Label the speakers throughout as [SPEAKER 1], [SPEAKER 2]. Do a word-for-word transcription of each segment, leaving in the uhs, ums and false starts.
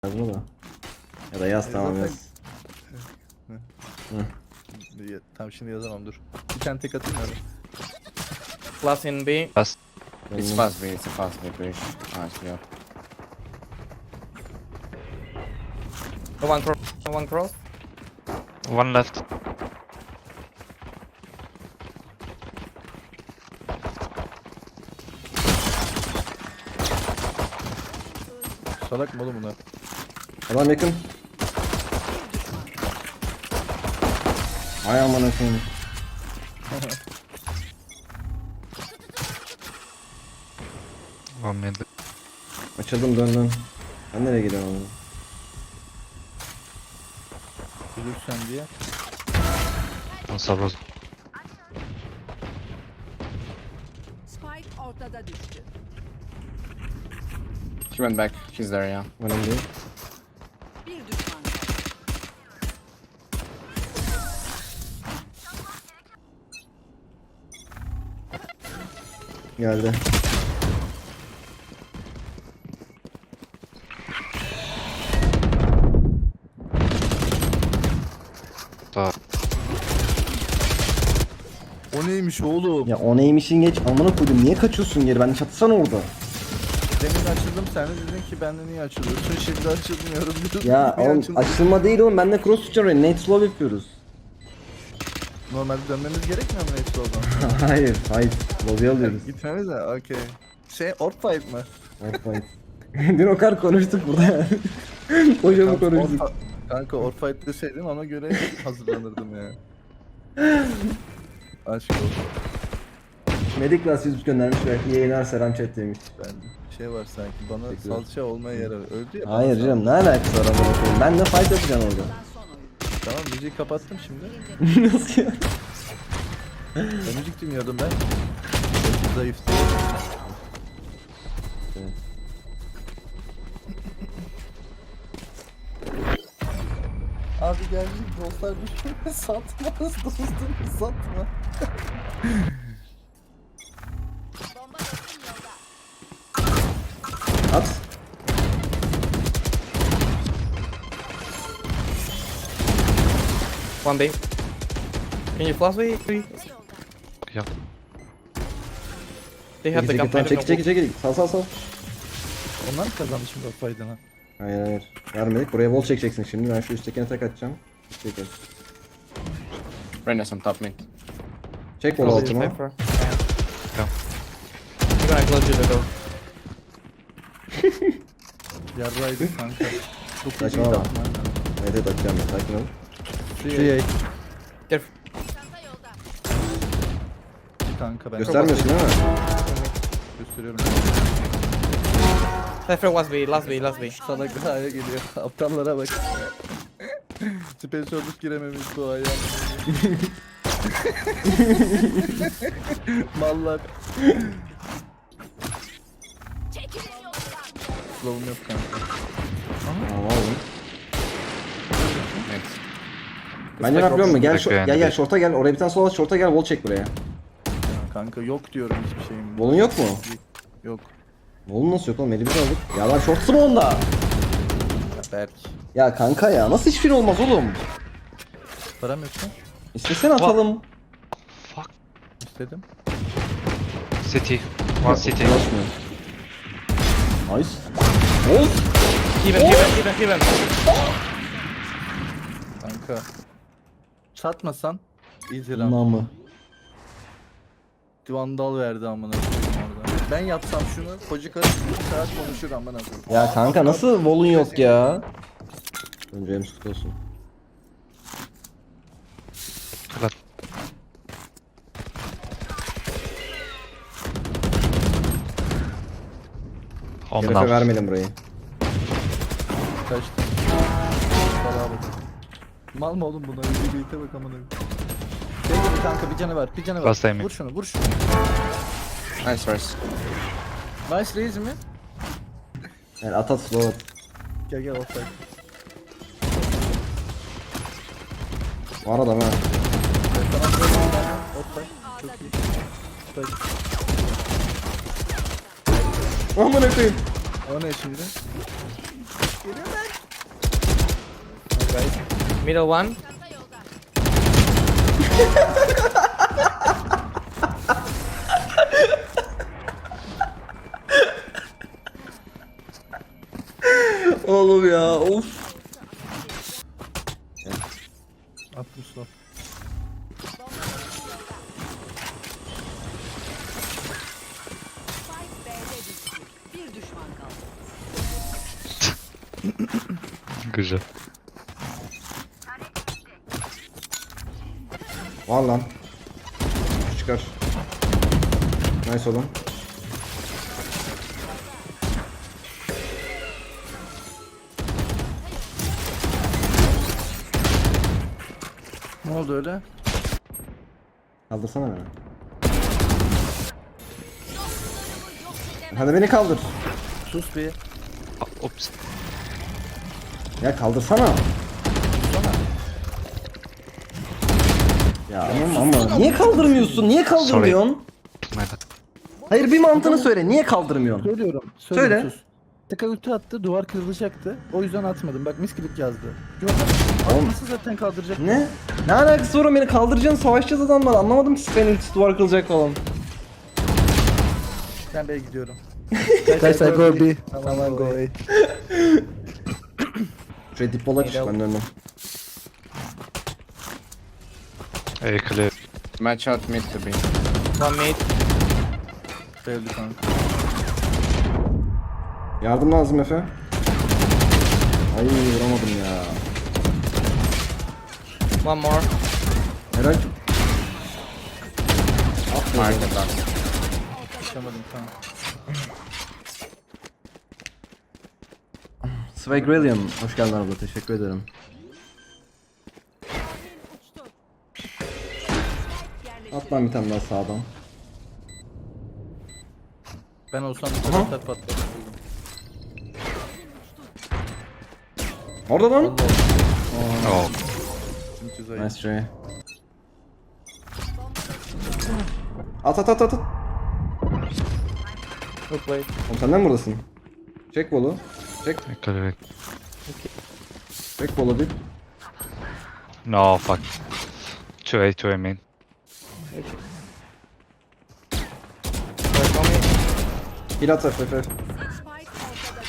[SPEAKER 1] Yazma da. Ya da yaz tamam
[SPEAKER 2] zaten-
[SPEAKER 1] yaz. Hı.
[SPEAKER 2] Ya, tamam şimdi yazamam dur. Bir tane tek atayım hadi.
[SPEAKER 3] Plus in B.
[SPEAKER 4] It's
[SPEAKER 1] Benim-
[SPEAKER 4] fast B, it's a fast B bridge. Nice, yeah.
[SPEAKER 3] No one cross. No one cross.
[SPEAKER 4] One left.
[SPEAKER 2] Salak mı oğlum bunlar?
[SPEAKER 1] Adam yakın. Ay aman efendim.
[SPEAKER 4] One mid.
[SPEAKER 1] Açıldım dön dön. Ben nereye gidiyorum oğlum?
[SPEAKER 2] Ölürsen diye.
[SPEAKER 4] One suburb.
[SPEAKER 5] Spike ortada düştü.
[SPEAKER 4] She went back. She's there, yeah.
[SPEAKER 1] Önemli değil.
[SPEAKER 5] Bir düşman kaldı.
[SPEAKER 1] Geldi.
[SPEAKER 4] So,
[SPEAKER 2] O neymiş oğlum?
[SPEAKER 1] Ya o neymişin geç amına koydum. Niye kaçıyorsun geri? Ben çatsana orada.
[SPEAKER 2] Demin açıldım sen de dedin ki ben de niye açılıyorsun? Şimdi açılmıyorum diyorsun.
[SPEAKER 1] Ya
[SPEAKER 2] Niye
[SPEAKER 1] oğlum
[SPEAKER 2] açıldın?
[SPEAKER 1] açılma değil oğlum. Ben de cross tutacağım oraya. Nate slow yapıyoruz.
[SPEAKER 2] Normalde dönmemiz gerekmiyor mu hepsi o zaman?
[SPEAKER 1] hayır hayır. Lobby alıyoruz.
[SPEAKER 2] Gitmemiz de okey. Şey orp fight mı?
[SPEAKER 1] Orpayt. Dün o kadar konuştuk burada yani. Hocamı
[SPEAKER 2] Kanka,
[SPEAKER 1] konuştuk.
[SPEAKER 2] orp- Kanka orp fight deseydin ona göre hazırlanırdım ya. Aşk olsun.
[SPEAKER 1] Medik Glass yüz göndermiş belki yayınlar selam chat demiş.
[SPEAKER 2] Ben şey var sanki bana
[SPEAKER 1] Teşekkür ederim.
[SPEAKER 2] salça olmaya yarar. Öldü ya.
[SPEAKER 1] Hayır
[SPEAKER 2] bana
[SPEAKER 1] canım ne alakası var amına koyayım. Ben de fight yapacağım orada.
[SPEAKER 5] Son oyun.
[SPEAKER 2] sal- Tamam müziği kapattım şimdi.
[SPEAKER 1] Nasıl ya?
[SPEAKER 2] Ben müzik dinliyordum ben. Zayıftı.
[SPEAKER 1] Evet.
[SPEAKER 2] Abi gerçek dostlar bir satmaz dostum satma.
[SPEAKER 5] Bomba dostum yolda.
[SPEAKER 1] At.
[SPEAKER 3] One B. Can you flash B?
[SPEAKER 4] yeah.
[SPEAKER 3] They have the
[SPEAKER 1] Çekil
[SPEAKER 3] gun.
[SPEAKER 1] çekil çekil çekil çekil. Sal sal sal.
[SPEAKER 2] Onlar mı kazandı şimdi o faydana?
[SPEAKER 1] Hayır hayır. Vermedik. Buraya wall çekeceksin şimdi. Ben şu üsttekine tek atacağım. Çekil.
[SPEAKER 4] Rennes on top mid.
[SPEAKER 1] Çek wall
[SPEAKER 3] Probably
[SPEAKER 1] altıma.
[SPEAKER 3] safer. Yeah. I'm gonna close you the door.
[SPEAKER 2] Yarraydı kanka. Çok iyi
[SPEAKER 1] Saçmalama.
[SPEAKER 2] yaptım aynen.
[SPEAKER 1] Evet evet atacağım. Sakin ol.
[SPEAKER 2] Şey
[SPEAKER 3] Careful.
[SPEAKER 5] Çanta yolda.
[SPEAKER 2] kanka ben
[SPEAKER 1] Göstermiyorsun değil mi?
[SPEAKER 2] gösteriyorum.
[SPEAKER 3] Cypher was B. Last B. Last B.
[SPEAKER 2] Sana gaya geliyor. Aptallara bak. Space Orbit girememiş bu aya. Mallar.
[SPEAKER 5] Çekilin yoldan.
[SPEAKER 2] Slow'um yok kanka.
[SPEAKER 1] Aa oğlum.
[SPEAKER 4] Mid.
[SPEAKER 1] Bence ne yapıyor musun? Gel,
[SPEAKER 4] Bekle
[SPEAKER 1] şo-
[SPEAKER 4] yani
[SPEAKER 1] gel gel
[SPEAKER 4] bir-
[SPEAKER 1] şorta gel. Oraya bir tane sola şorta gel. Wall çek buraya.
[SPEAKER 2] Ya kanka yok diyorum hiçbir şeyim.
[SPEAKER 1] Wall'un yok mu?
[SPEAKER 2] Yok.
[SPEAKER 1] Wall'un nasıl yok oğlum? Elimizi aldık. Ya lan şortsu mu onda?
[SPEAKER 2] Ya Berk.
[SPEAKER 1] Ya kanka ya. Nasıl hiçbir olmaz oğlum?
[SPEAKER 2] Param yok mu?
[SPEAKER 1] İstesene atalım.
[SPEAKER 4] Fuck.
[SPEAKER 2] İstedim.
[SPEAKER 4] City. One city.
[SPEAKER 1] Ulaşmıyor. Nice. Wall.
[SPEAKER 3] Heaven. Heaven. Heaven. Heaven.
[SPEAKER 2] Kanka. Çatmasan. Easy run.
[SPEAKER 1] Namı.
[SPEAKER 2] Vandal verdi amına koyayım orada. Ben yapsam şunu, koca karı bir saat konuşur amına koyayım.
[SPEAKER 1] Ya kanka nasıl wall'un yok ya? Önce hem süt olsun.
[SPEAKER 4] Left. On
[SPEAKER 1] Şerefe
[SPEAKER 4] now.
[SPEAKER 1] vermedim burayı.
[SPEAKER 2] Kaçtı. Salaha bak. Mal mı oğlum bunlar? Bir birlikte bak amına koyayım. Şey gibi kanka bir canı var, bir canı var.
[SPEAKER 4] Last time.
[SPEAKER 2] Vur şunu, vur şunu.
[SPEAKER 4] Nice race.
[SPEAKER 2] Nice raise mi?
[SPEAKER 1] Yani at at slow at.
[SPEAKER 2] Gel gel offside.
[SPEAKER 1] Var adam ha.
[SPEAKER 2] Offside. Çok iyi. Offside.
[SPEAKER 1] Amına koyayım.
[SPEAKER 2] O ne şimdi?
[SPEAKER 3] Guys. Middle one.
[SPEAKER 5] Çanta yolda.
[SPEAKER 1] Oğlum ya of.
[SPEAKER 2] Attım stop.
[SPEAKER 5] Spike B'de düştü. Bir düşman kaldı.
[SPEAKER 4] Güzel.
[SPEAKER 1] Var lan. Çıkar. Nice oğlum.
[SPEAKER 2] Ne oldu öyle?
[SPEAKER 1] Kaldırsana beni.
[SPEAKER 5] Yok edemem.
[SPEAKER 1] Hadi beni kaldır.
[SPEAKER 2] Sus bir.
[SPEAKER 4] Ah, Ops.
[SPEAKER 1] Ya kaldırsana. Ya ama, ama niye kaldırmıyorsun? Niye kaldırmıyorsun?
[SPEAKER 4] My bad.
[SPEAKER 1] Hayır bir mantığını söyle. Niye kaldırmıyorsun?
[SPEAKER 2] Söylüyorum.
[SPEAKER 1] Söyle.
[SPEAKER 2] Söyle. Sus. Tıka ulti attı, duvar kırılacaktı. O yüzden atmadım. Bak misklik yazdı. Yok.
[SPEAKER 1] Oğlum.
[SPEAKER 2] Nasıl zaten kaldıracak?
[SPEAKER 1] Ne? Ne alakası var, beni kaldıracaksın, savaşacağız adamlar. Anlamadım ki Spain ultisi duvar kılacak falan.
[SPEAKER 2] Ben B'ye gidiyorum. Guys I go B. Tamam go A.
[SPEAKER 1] Şuraya dip bola çık, ben döndüm.
[SPEAKER 4] A clear.
[SPEAKER 6] Match out mid to be.
[SPEAKER 3] One mid.
[SPEAKER 2] Öldü kanka.
[SPEAKER 1] Yardım lazım Efe. Ay vuramadım ya.
[SPEAKER 3] One more.
[SPEAKER 1] Helal.
[SPEAKER 6] Market last.
[SPEAKER 2] Yaşamadım tamam.
[SPEAKER 1] Swagrillion, hoş geldin abla, teşekkür ederim.
[SPEAKER 5] Uçtu. Yerleştir.
[SPEAKER 1] At lan bir tane daha sağdan.
[SPEAKER 2] Ben olsam bir
[SPEAKER 1] Aha.
[SPEAKER 2] taraftar patlatırdım.
[SPEAKER 1] Orada lan.
[SPEAKER 4] Oh.
[SPEAKER 2] Çünkü zayıf.
[SPEAKER 1] Nice try. At at at at. at.
[SPEAKER 3] Good play.
[SPEAKER 1] Oğlum sen de mi buradasın? Çek bolu. Çek.
[SPEAKER 4] I clear.
[SPEAKER 1] Çek bolu dip.
[SPEAKER 4] No, fuck. two A, two A main.
[SPEAKER 3] Guys, one mid.
[SPEAKER 1] Heal at Efe. Efe.
[SPEAKER 5] Spike ortada.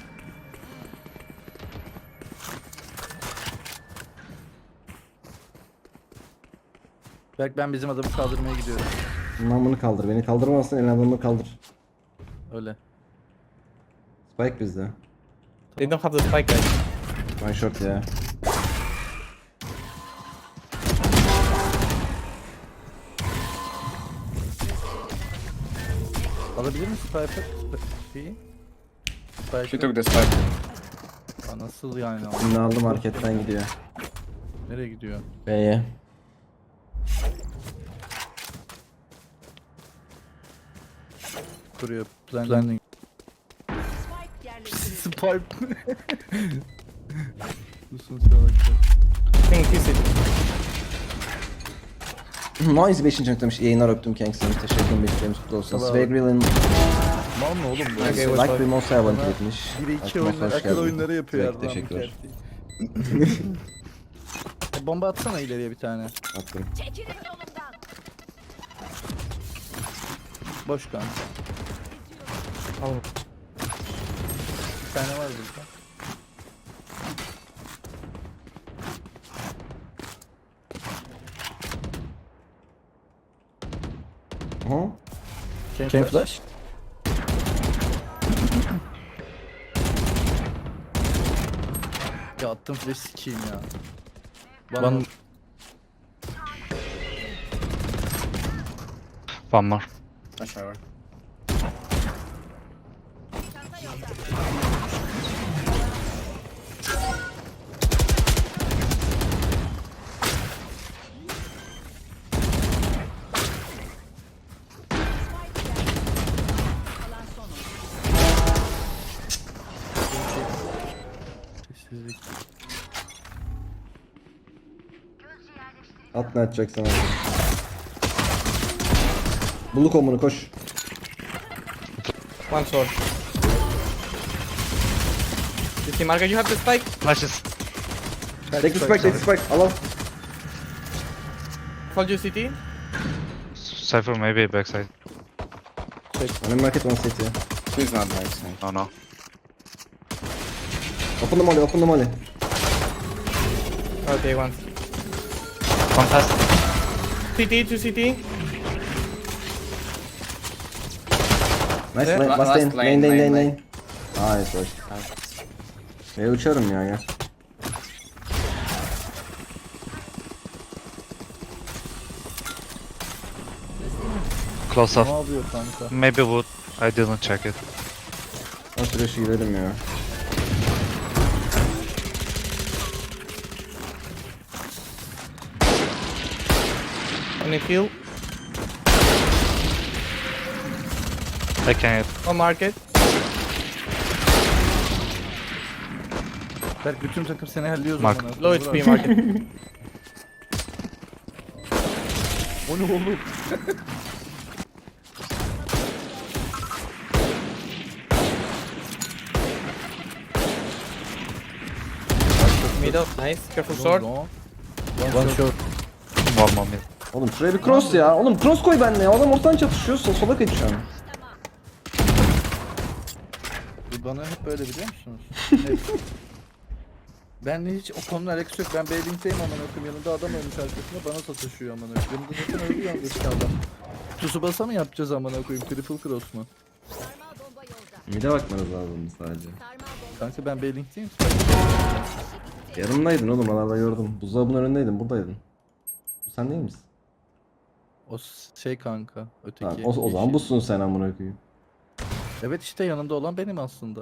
[SPEAKER 2] Berk ben bizim adamı kaldırmaya gidiyorum.
[SPEAKER 1] Bundan bunu kaldır. Beni kaldırmazsan el adamını kaldır.
[SPEAKER 2] Öyle.
[SPEAKER 1] Spike bizde.
[SPEAKER 3] They don't have the spike, guys.
[SPEAKER 1] One shot ya.
[SPEAKER 2] Alabilir misin Piper? Şeyi?
[SPEAKER 6] She
[SPEAKER 2] Piper.
[SPEAKER 6] took the spike.
[SPEAKER 2] Aa, nasıl yani?
[SPEAKER 1] Şimdi aldı marketten gidiyor.
[SPEAKER 2] Nereye gidiyor?
[SPEAKER 1] B'ye.
[SPEAKER 2] Kuruyor. Planning.
[SPEAKER 5] Spike yerleştirildi.
[SPEAKER 2] Spipe. Susun salaklar.
[SPEAKER 3] I think kiss it.
[SPEAKER 1] Noise beşinci noktamış. Yayınlar öptüm Kingston. Teşekkür ederim. Beklerimiz kutlu olsun.
[SPEAKER 2] Tamam.
[SPEAKER 1] Swagrillion
[SPEAKER 2] Mal mı oğlum bu?
[SPEAKER 3] Okay,
[SPEAKER 1] like
[SPEAKER 3] what's
[SPEAKER 1] bir
[SPEAKER 3] up?
[SPEAKER 1] Mosa yabancı etmiş.
[SPEAKER 2] biri iki
[SPEAKER 1] Aklıma
[SPEAKER 2] oyunları,
[SPEAKER 1] hoş
[SPEAKER 2] akıl
[SPEAKER 1] geldin.
[SPEAKER 2] oyunları yapıyor
[SPEAKER 1] Sürekli
[SPEAKER 2] ya.
[SPEAKER 1] teşekkürler.
[SPEAKER 2] E, bomba atsana ileriye bir tane.
[SPEAKER 1] Attım.
[SPEAKER 5] Çekilin yolumdan.
[SPEAKER 2] Boş kanka.
[SPEAKER 3] Oh.
[SPEAKER 2] Bir tane var burada.
[SPEAKER 1] Aha.
[SPEAKER 2] Can flash? Ya attım flash sikeyim ya. Bana
[SPEAKER 3] One-
[SPEAKER 4] One more.
[SPEAKER 6] A shower.
[SPEAKER 5] Çanta yolda. Kalan son oyun.
[SPEAKER 2] sessizlik.
[SPEAKER 1] At ne atacaksan at. Bulu komunu koş.
[SPEAKER 3] One sword. You see, Market, you have the spike.
[SPEAKER 4] Flashes.
[SPEAKER 1] Take the spike, take the spike. Al al.
[SPEAKER 3] Hold you, C T.
[SPEAKER 4] Cypher maybe backside.
[SPEAKER 1] One in market, one city.
[SPEAKER 6] He's not backside.
[SPEAKER 4] No, no.
[SPEAKER 1] Open the molly, open the molly.
[SPEAKER 3] Okay, one.
[SPEAKER 4] One pass.
[SPEAKER 3] C T, two C T.
[SPEAKER 1] Nice,
[SPEAKER 3] Yeah,
[SPEAKER 1] lane,
[SPEAKER 6] la-
[SPEAKER 1] last
[SPEAKER 6] last
[SPEAKER 1] lane,
[SPEAKER 6] lane,
[SPEAKER 1] lane, lane,
[SPEAKER 6] lane,
[SPEAKER 1] lane,
[SPEAKER 6] lane.
[SPEAKER 1] lane. Nice, boş. Ben uçarım ya, gel.
[SPEAKER 4] Close
[SPEAKER 2] Ne
[SPEAKER 4] off.
[SPEAKER 2] yapıyor kanka?
[SPEAKER 4] Maybe wood. I didn't check it.
[SPEAKER 1] O süreçe gidelim ya.
[SPEAKER 3] Only heal.
[SPEAKER 4] I can hit.
[SPEAKER 3] One market.
[SPEAKER 2] Berk bütün takım seni helliyor
[SPEAKER 4] Mark.
[SPEAKER 2] zaman.
[SPEAKER 3] Low H P market.
[SPEAKER 2] O ne oğlum?
[SPEAKER 3] Middle. Nice. Careful sword.
[SPEAKER 2] One shot.
[SPEAKER 4] One more mid.
[SPEAKER 1] Oğlum şuraya bir cross ya. Oğlum cross koy benimle ya. Adam ortadan çatışıyor. Sol sola kaç şu an.
[SPEAKER 2] Bu bana hep böyle biliyor musunuz? Hep. Benle hiç o konuda alakası yok. Ben Beyling'deyim amına koyayım. Yanında adam olmuş arkasında bana sataşıyor amına koyayım. Yanında zaten öyle yalnız adam. Tsubasa mı yapacağız amına koyayım? Triple cross mu?
[SPEAKER 5] Sarmal bomba yolda.
[SPEAKER 1] Mide bakmanız lazım sadece.
[SPEAKER 5] Sarmal bomba.
[SPEAKER 2] Kanka ben Beyling'deyim.
[SPEAKER 1] Yanımdaydın oğlum, aralarda gördüm. Buzdolabının önündeydin, buradaydın. Bu sen değil misin?
[SPEAKER 2] O şey kanka. Öteki.
[SPEAKER 1] Tamam, o, o zaman
[SPEAKER 2] yeşil.
[SPEAKER 1] busun sen amına koyayım.
[SPEAKER 2] Evet işte yanımda olan benim aslında.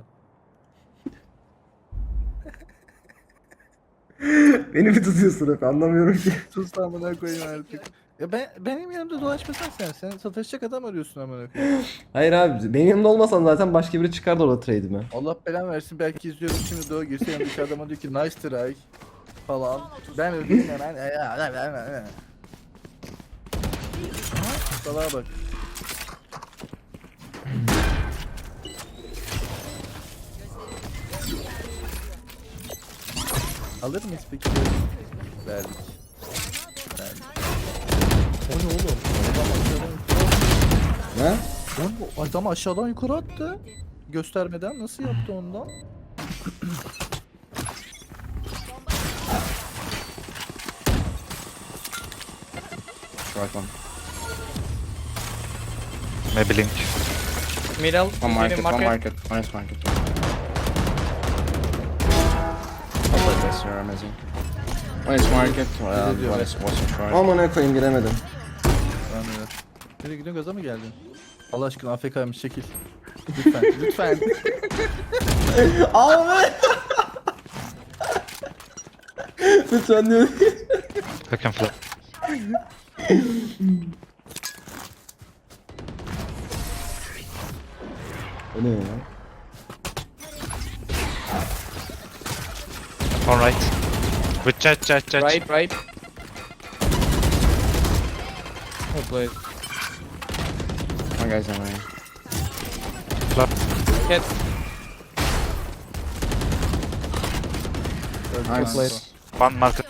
[SPEAKER 1] Beni mi tutuyorsun hep, anlamıyorum ki.
[SPEAKER 2] Sus lan amına koyayım artık. Ya ben benim yanımda dolaşmasan sen. Sen sataşacak adam arıyorsun amına koyayım.
[SPEAKER 1] Hayır abi, benim yanımda olmasan zaten başka biri çıkardı orada trade'ime.
[SPEAKER 2] Allah belanı versin, belki izliyorum şimdi Doğu girse yanındaki adama diyor ki nice try falan. Ben öldüm hemen. Salaha bak. Alır mıyız peki? Verdik. Verdik. O ne oğlum? Adam aşağıdan yukarı
[SPEAKER 1] Ne?
[SPEAKER 2] Oğlum, adam aşağıdan yukarı attı. Göstermeden nasıl yaptı ondan?
[SPEAKER 6] Short one.
[SPEAKER 4] Maybe link.
[SPEAKER 3] Middle.
[SPEAKER 6] One market,
[SPEAKER 3] Medium
[SPEAKER 6] one market. One is market. I'll play this, you're amazing. One is market, uh, one is also short.
[SPEAKER 1] Amına koyayım, giremedim.
[SPEAKER 2] Lan evet. Nereye gidiyorsun, gaza mı geldin? Allah aşkına A F K'ymış, çekil. Lütfen, lütfen.
[SPEAKER 1] Abi! Lütfen diyorum.
[SPEAKER 4] I can flip.
[SPEAKER 1] O ne ya?
[SPEAKER 4] One right. With chat, chat, chat.
[SPEAKER 3] Right, right. Oh, play.
[SPEAKER 6] One guy's on me.
[SPEAKER 3] Cat.
[SPEAKER 6] Nice.
[SPEAKER 4] One market.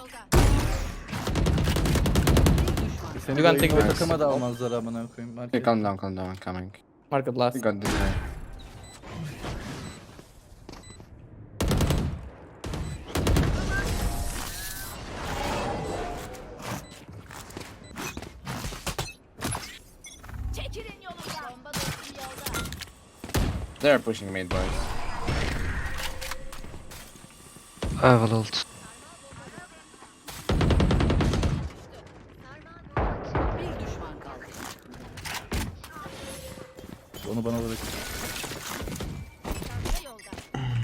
[SPEAKER 2] Seni
[SPEAKER 3] You can
[SPEAKER 2] bu
[SPEAKER 3] take
[SPEAKER 2] ekibe
[SPEAKER 6] this.
[SPEAKER 2] takıma da almazlar amına koyayım.
[SPEAKER 6] Okay,
[SPEAKER 2] Market.
[SPEAKER 6] calm down, calm down, I'm coming.
[SPEAKER 3] Market last.
[SPEAKER 6] We got this guy.
[SPEAKER 5] Çekilin yolumdan. Bomba dostum yolda.
[SPEAKER 6] They're pushing mid, boys.
[SPEAKER 4] I have a ult.
[SPEAKER 5] Bir düşman kaldı.
[SPEAKER 2] Onu bana bırak.
[SPEAKER 5] Çanta yolda.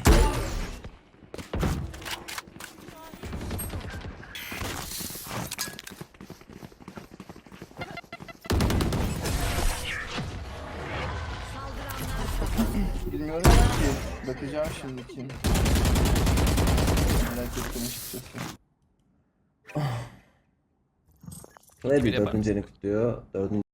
[SPEAKER 2] Bilmiyorum ki. Bakacağım şimdi kim. Merak ettim açıkçası.
[SPEAKER 1] Freddy dördüncü elini kutluyor. Dördüncü